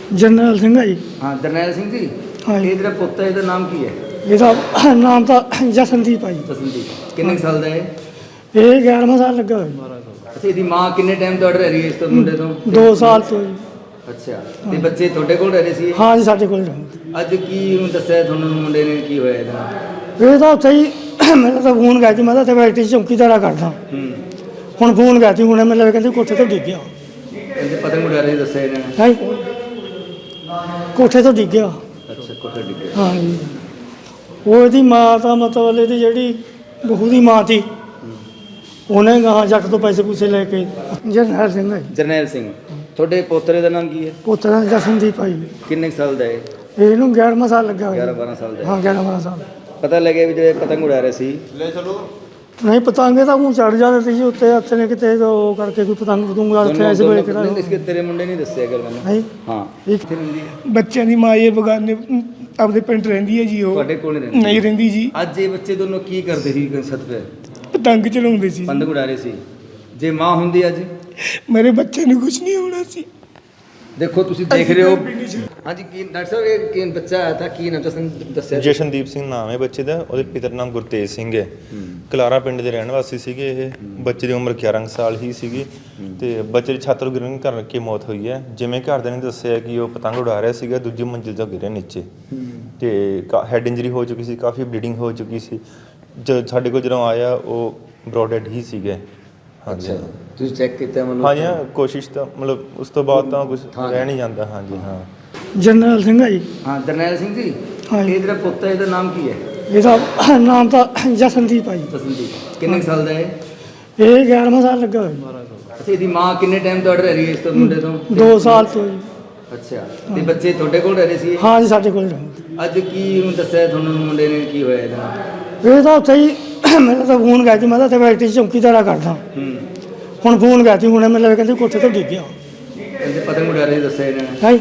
ਜਰਨੈਲ ਸਿੰਘ ਹੈ ਜੀ। हाँ जरनैल सिंह जी, हाँ जी। ये तेरा पुत्र है, ਇਹਦਾ ਨਾਮ ਕੀ ਹੈ? ਇਹਦਾ ਨਾਮ ਤਾਂ ਜਸਨਦੀਪ ਆ ਜੀ। ਜਸਨਦੀਪ। ਕਿੰਨੇ ਕੁ ਸਾਲ ਦਾ ਹੈ? ਇਹ 11ਵਾਂ ਸਾਲ ਲੱਗਾ ਹੋਇਆ ਅੱਛਾ, ਇਹਦੀ ਮਾਂ ਕਿੰਨੇ ਟਾਈਮ ਤੋਂ ਰਹਿ ਰਹੀ ਹੈ ਇਸ ਤੋਂ ਮੁੰਡੇ ਤੋਂ? ਜੀ। 2 ਸਾਲ ਤੋਂ ਜੀ। ਅੱਛਾ, ਤੇ ਬੱਚੇ ਤੁਹਾਡੇ ਕੋਲ ਰਹਿ ਰਹੇ ਸੀ? ਹਾਂ ਜੀ, ਸਾਡੇ ਕੋਲ ਰਹਿੰਦੇ। ਅੱਜ ਕੀ ਉਹਨੂੰ ਦੱਸਿਆ ਤੁਹਾਨੂੰ ਮੁੰਡੇ ਨੇ ਕੀ ਹੋਇਆ ਇਹਦੇ ਨਾਲ? ਇਹ ਤਾਂ ਉੱਥੇ ਹੀ ਮੈਨੂੰ ਤਾਂ ਫੋਨ ਗਿਆ ਸੀ, ਮੈਂ ਤਾਂ ਇੱਥੇ ਫੈਕਟਰੀ 'ਚ ਚੌਕੀਦਾਰਾ ਕਰਦਾ। ਹੁਣ ਫੋਨ ਗਿਆ ਸੀ ਹੁਣੇ, ਮੈਨੂੰ ਕਹਿੰਦੇ ਕੋਠੇ ਤੋਂ ਡਿੱਗ ਗਿਆ। ਕਹਿੰਦੇ ਪਤੰਗ ਉਡਾ ਰਹੇ ਦੱਸਿਆ ਇਹਨਾਂ ਨੇ? ਹੈ ਕੋਠੇ ਤੋਂ ਡਿੱਗ ਗਿਆ। ਅੱਛਾ, ਕੋਠੇ ਡਿੱਗੇ। ਹਾਂ ਜੀ। ਉਹ ਇਹਦੀ ਮਾਂ ਤਾਂ ਮਤਲਬ ਇਹਦੀ ਜਿਹੜੀ ਬਹੂ ਦੀ ਮਾਂ ਸੀ, ਉਹਨੇ ਗਾਹਾਂ ਜੱਟ ਤੋਂ ਪੈਸੇ ਪੂਸੇ ਲੈ ਕੇ। ਜਰਨੈਲ ਸਿੰਘ ਹੈ ਜੀ। ਜਰਨੈਲ ਸਿੰਘ। ਤੁਹਾਡੇ ਪੋਤਰੇ ਦਾ ਨਾਮ ਕੀ ਹੈ? ਪੁੱਤਰ ਜਸਨਦੀਪ ਆ ਜੀ। ਕਿੰਨੇ ਕੁ ਸਾਲ ਦਾ ਹੈ? ਇਹਨੂੰ 11ਵਾਂ ਸਾਲ ਲੱਗਾ ਹੋਇਆ 11-12 ਸਾਲ ਦਾ ਹੈ। ਹਾਂ 11ਵਾਂ ਸਾਲ। ਪਤਾ ਲੱਗਿਆ ਵੀ ਜਿਹੜੇ ਪਤੰਗ ਉਡਾ ਰਹੇ ਸੀ? ਨਹੀਂ, ਪਤੰਗੇ ਤਾਂ ਮੂੰਹ ਚੜ ਜਾਂਦੇ ਸੀ ਜੀ ਉੱਤੇ, ਹੱਥ ਨੇ ਕਿਤੇ ਉਹ ਕਰਕੇ ਕੋਈ ਪਤੰਗ ਪਤੰਗਾ ਉੱਥੇ ਐਸੇ ਵੇਲੇ ਕਿਹੜਾ। ਇਸਕੇ ਤੇਰੇ ਮੁੰਡੇ ਨਹੀਂ ਦੱਸਿਆ ਗੱਲ ਮੈਨੂੰ? ਹੈ ਹਾਂ। ਇੱਕ ਬੱਚਿਆਂ ਦੀ ਮਾਂ ਇਹ ਬਗਾਨੇ ਆਪਦੇ ਪਿੰਡ ਰਹਿੰਦੀ ਹੈ ਜੀ। ਉਹ ਤੁਹਾਡੇ ਕੋਲ ਨਹੀਂ ਨਹੀਂ ਰਹਿੰਦੀ ਜੀ। ਅੱਜ ਇਹ ਬੱਚੇ ਦੋਨੋਂ ਕੀ ਕਰਦੇ ਸੀ ਛੱਤ ਤੇ? ਪਤੰਗ ਚਲਾਉਂਦੇ ਸੀ। ਪਤੰਗ ਉਡਾ ਰਹੇ ਸੀ। ਜੇ ਮਾਂ ਹੁੰਦੀ ਅੱਜ? ਮੇਰੇ ਬੱਚੇ ਨੂੰ ਕੁਝ ਨਹੀਂ ਹੋਣਾ ਸੀ। ਦੇਖੋ ਤੁਸੀਂ ਦੇਖ ਰਹੇ ਹੋ। ਹਾਂਜੀ, ਕੀ ਡਾਕਟਰ ਸਾਹਿਬ ਇਹ ਕੀ ਬੱਚਾ ਆਇਆ ਤਾਂ ਕੀ ਨਾਮ ਤੁਸੀਂ ਦੱਸਿਆ? ਜਸ਼ਨਦੀਪ ਸਿੰਘ ਨਾਮ ਹੈ ਬੱਚੇ ਦਾ। ਉਹਦੇ ਪਿਤਾ ਦਾ ਨਾਮ ਗੁਰਤੇਜ ਸਿੰਘ ਹੈ। ਕਲਾਰਾ ਪਿੰਡ ਦੇ ਰਹਿਣ ਵਾਸੀ ਸੀਗੇ ਇਹ। ਬੱਚੇ ਦੀ ਉਮਰ 11 ਸਾਲ ਹੀ ਸੀਗੀ ਤੇ ਬੱਚੇ ਦੀ ਛੱਤ ਤੋਂ ਗਿਰਨ ਕਰਕੇ ਮੌਤ ਹੋਈ ਹੈ। ਜਿਵੇਂ ਘਰਦਿਆਂ ਨੇ ਦੱਸਿਆ ਕਿ ਉਹ ਪਤੰਗ ਉਡਾ ਰਿਹਾ ਸੀਗਾ, ਦੂਜੀ ਮੰਜ਼ਿਲ ਤੋਂ ਗਿਰਿਆ ਨੀਚੇ ਤੇ ਹੈਡ ਇੰਜਰੀ ਹੋ ਚੁੱਕੀ ਸੀ, ਕਾਫੀ ਬਲੀਡਿੰਗ ਹੋ ਚੁੱਕੀ ਸੀ। ਸਾਡੇ ਕੋਲ ਜਦੋਂ ਆਇਆ ਉਹ ਬਰੋਡ ਡੈਡ ਹੀ ਸੀਗੇ। ਹਾਂਜੀ, ਤੁਸੀਂ ਚੈੱਕ ਕੀਤਾ ਮਤਲਬ? ਹਾਂਜੀ ਹਾਂ, ਕੋਸ਼ਿਸ਼ ਤਾਂ ਮਤਲਬ ਉਸ ਤੋਂ ਬਾਅਦ ਤਾਂ ਕੁਝ ਰਹਿ ਨਹੀਂ ਜਾਂਦਾ। ਹਾਂਜੀ ਹਾਂ। ਜਰਨੈਲ ਸਿੰਘ ਹੈ ਜੀ। ਹਾਂ ਜਰਨੈਲ ਸਿੰਘ ਜੀ, ਹਾਂ ਜੀ। ਇਹ ਜਿਹੜਾ ਪੁੱਤ ਹੈ ਇਹਦਾ ਨਾਮ ਕੀ ਹੈ? ਇਹਦਾ ਨਾਮ ਤਾਂ ਜਸਨਦੀਪ ਆ ਜੀ। ਜਸਨਦੀਪ। ਕਿੰਨੇ ਕੁ ਸਾਲ ਦਾ ਹੈ? ਇਹ 11ਵਾਂ ਸਾਲ ਲੱਗਾ ਹੋਇਆ ਜੀ। ਅੱਛਾ, ਇਹਦੀ ਮਾਂ ਕਿੰਨੇ ਟਾਈਮ ਤੋਂ ਰਹਿ ਰਹੀ ਹੈ ਇਸ ਤੋਂ ਮੁੰਡੇ ਤੋਂ? 2 ਸਾਲ ਤੋਂ ਜੀ। ਅੱਛਾ, ਤੇ ਬੱਚੇ ਤੁਹਾਡੇ ਕੋਲ ਰਹਿ ਰਹੇ ਸੀ? ਹਾਂ ਜੀ, ਸਾਡੇ ਕੋਲ ਰਹਿੰਦੇ। ਅੱਜ ਕੀ ਉਹਨੂੰ ਦੱਸਿਆ ਤੁਹਾਨੂੰ ਮੁੰਡੇ ਨੇ ਕੀ ਹੋਇਆ ਇਹਦੇ ਨਾਲ? ਇਹ ਤਾਂ ਉੱਥੇ ਹੀ ਮੈਨੂੰ ਤਾਂ ਫੋਨ ਗਿਆ ਸੀ, ਮੈਂ ਤਾਂ ਇੱਥੇ ਫੈਕਟਰੀ 'ਚ ਚੌਕੀਦਾਰਾ ਕਰਦਾ। ਹੁਣ ਫੋਨ ਗਿਆ ਸੀ ਹੁਣੇ, ਮੈਨੂੰ ਕਹਿੰਦੇ ਕੋਠੇ ਤੋਂ ਡਿੱਗ ਗਿਆ। ਕਹਿੰਦੇ ਪਤੰਗ ਉਡਾ ਰਹੇ ਦੱਸਿਆ ਇਹਨਾਂ ਨੇ? ਹੈ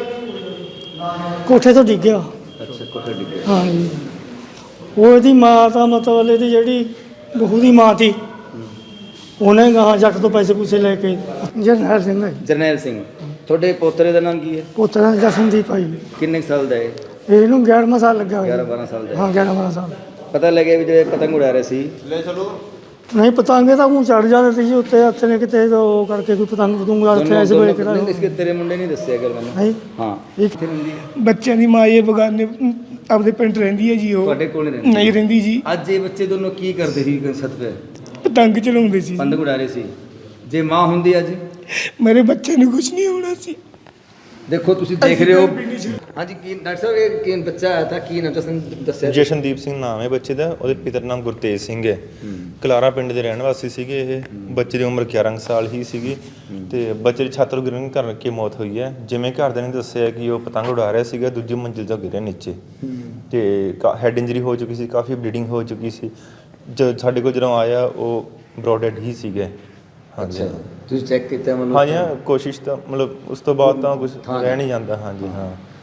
ਕੋਠੇ ਤੋਂ ਡਿੱਗ ਗਿਆ। ਅੱਛਾ, ਕੋਠੇ ਡਿੱਗੇ। ਹਾਂ ਜੀ। ਉਹ ਇਹਦੀ ਮਾਂ ਤਾਂ ਮਤਲਬ ਇਹਦੀ ਜਿਹੜੀ ਬਹੂ ਦੀ ਮਾਂ ਸੀ, ਉਹਨੇ ਗਾਹਾਂ ਜੱਟ ਤੋਂ ਪੈਸੇ ਪੂਸੇ ਲੈ ਕੇ। ਜਰਨੈਲ ਸਿੰਘ ਹੈ ਜੀ। ਜਰਨੈਲ ਸਿੰਘ। ਤੁਹਾਡੇ ਪੋਤਰੇ ਦਾ ਨਾਮ ਕੀ ਹੈ? ਪੁੱਤਰ ਜਸਨਦੀਪ ਆ ਜੀ। ਕਿੰਨੇ ਕੁ ਸਾਲ ਦਾ ਹੈ? ਇਹਨੂੰ 11ਵਾਂ ਸਾਲ ਲੱਗਾ ਹੋਇਆ 11-12 ਸਾਲ ਦਾ ਹੈ। ਹਾਂ 11ਵਾਂ ਸਾਲ। ਪਤਾ ਲੱਗਿਆ ਵੀ ਜਿਹੜੇ ਪਤੰਗ ਉਡਾ ਰਹੇ ਸੀ? ਨਹੀਂ, ਪਤੰਗੇ ਤਾਂ ਮੂੰਹ ਚੜ ਜਾਂਦੇ ਸੀ ਜੀ ਉੱਤੇ, ਹੱਥ ਨੇ ਕਿਤੇ ਉਹ ਕਰਕੇ ਕੋਈ ਪਤੰਗ ਪਤੰਗਾ ਉੱਥੇ ਐਸੇ ਵੇਲੇ ਕਿਹੜਾ। ਇਸਕੇ ਤੇਰੇ ਮੁੰਡੇ ਨਹੀਂ ਦੱਸਿਆ ਗੱਲ ਮੈਨੂੰ? ਹੈ ਹਾਂ। ਇੱਕ ਬੱਚਿਆਂ ਦੀ ਮਾਂ ਇਹ ਬਗਾਨੇ ਆਪਦੇ ਪਿੰਡ ਰਹਿੰਦੀ ਹੈ ਜੀ। ਉਹ ਤੁਹਾਡੇ ਕੋਲ ਨਹੀਂ ਨਹੀਂ ਰਹਿੰਦੀ ਜੀ। ਅੱਜ ਇਹ ਬੱਚੇ ਦੋਨੋਂ ਕੀ ਕਰਦੇ ਸੀ ਛੱਤ ਤੇ? ਪਤੰਗ ਚਲਾਉਂਦੇ ਸੀ। ਪਤੰਗ ਉਡਾ ਰਹੇ ਸੀ। ਜੇ ਮਾਂ ਹੁੰਦੀ ਅੱਜ? ਮੇਰੇ ਬੱਚੇ ਨੂੰ ਕੁਝ ਨਹੀਂ ਹੋਣਾ ਸੀ। ਦੇਖੋ ਤੁਸੀਂ ਦੇਖ ਰਹੇ ਹੋ। ਹਾਂਜੀ, ਕੀ ਡਾਕਟਰ ਸਾਹਿਬ ਇਹ ਕੀ ਬੱਚਾ ਆਇਆ ਤਾਂ ਕੀ ਨਾਮ ਤੁਸੀਂ ਦੱਸਿਆ? ਜਸ਼ਨਦੀਪ ਸਿੰਘ ਨਾਮ ਹੈ ਬੱਚੇ ਦਾ। ਉਹਦੇ ਪਿਤਾ ਦਾ ਨਾਮ ਗੁਰਤੇਜ ਸਿੰਘ ਹੈ। ਕਲਾਰਾ ਪਿੰਡ ਦੇ ਰਹਿਣ ਵਾਸੀ ਸੀਗੇ ਇਹ। ਬੱਚੇ ਦੀ ਉਮਰ 11 ਸਾਲ ਹੀ ਸੀਗੀ ਤੇ ਬੱਚੇ ਦੀ ਛੱਤ ਤੋਂ ਗਿਰਨ ਕਰਕੇ ਮੌਤ ਹੋਈ ਹੈ। ਜਿਵੇਂ ਘਰਦਿਆਂ ਨੇ ਦੱਸਿਆ ਕਿ ਉਹ ਪਤੰਗ ਉਡਾ ਰਿਹਾ ਸੀਗਾ, ਦੂਜੀ ਮੰਜ਼ਿਲ ਤੋਂ ਗਿਰਿਆ ਨੀਚੇ ਤੇ ਹੈਡ ਇੰਜਰੀ ਹੋ ਚੁੱਕੀ ਸੀ, ਕਾਫੀ ਬਲੀਡਿੰਗ ਹੋ ਚੁੱਕੀ ਸੀ। ਸਾਡੇ ਕੋਲ ਜਦੋਂ ਆਇਆ ਉਹ ਬਰੋਡ ਡੈਡ ਹੀ ਸੀਗੇ। ਹਾਂਜੀ, ਤੁਸੀਂ ਚੈੱਕ ਕੀਤਾ ਮਤਲਬ? ਹਾਂਜੀ ਹਾਂ, ਕੋਸ਼ਿਸ਼ ਤਾਂ ਮਤਲਬ ਉਸ ਤੋਂ ਬਾਅਦ ਤਾਂ ਕੁਝ ਰਹਿ ਨਹੀਂ ਜਾਂਦਾ। ਹਾਂਜੀ ਹਾਂ।